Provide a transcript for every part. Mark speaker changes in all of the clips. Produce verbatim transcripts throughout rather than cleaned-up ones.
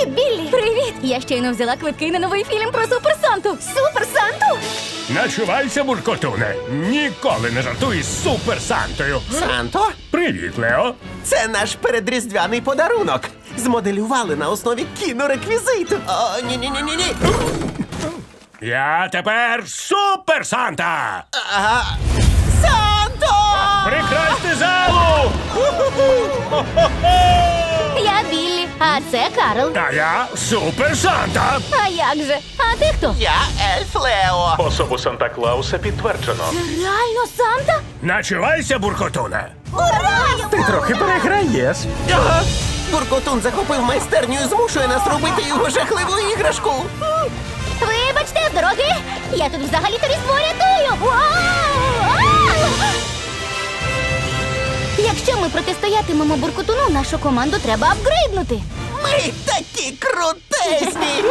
Speaker 1: Привіт, Біллі! Привіт! Я щойно взяла квитки на новий фільм про Супер Санту. Супер Санту?
Speaker 2: Начувайся, буркотуне. Ніколи не жартуй з Супер Сантою.
Speaker 3: Санто,
Speaker 2: Привіт, Лео.
Speaker 3: це наш передріздвяний подарунок. Змоделювали на основі кінореквізиту. О, ні-ні-ні-ні-ні.
Speaker 2: Я тепер Супер Санта.
Speaker 3: Ага. Санто!
Speaker 2: Прикрасти залу!
Speaker 1: Я Біллі, а це Карл.
Speaker 2: А я Супер Санта.
Speaker 1: А як же? А ти хто?
Speaker 3: Я ельф Лео.
Speaker 4: Особу Санта-Клауса підтверджено.
Speaker 1: Реально Санта?
Speaker 2: Начувайся, буркотуне.
Speaker 1: Ура!
Speaker 5: Ти трохи переграєш.
Speaker 3: Ага. Буркотун захопив майстерню і змушує нас робити його жахливу іграшку.
Speaker 1: Вибачте, з дороги! Я тут взагалі-то різдво рятую! Вау! А! Якщо ми протистоятимемо буркотуну, нашу команду треба апгрейднути.
Speaker 3: Ми такі крутезні!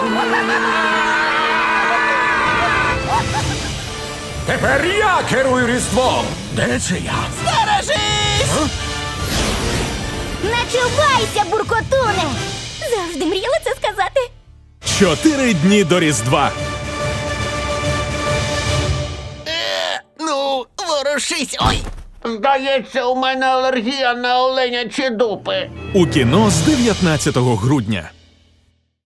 Speaker 5: Тепер я керую Різдвом.
Speaker 2: Де це я?
Speaker 3: Стережись!
Speaker 1: Начувайся, буркотуне! Завжди мріяла це сказати.
Speaker 6: Чотири дні до Різдва.
Speaker 3: Ну, ворушись! Ой!
Speaker 7: Здається, у мене алергія на оленячі дупи.
Speaker 6: У кіно з дев'ятнадцятого грудня.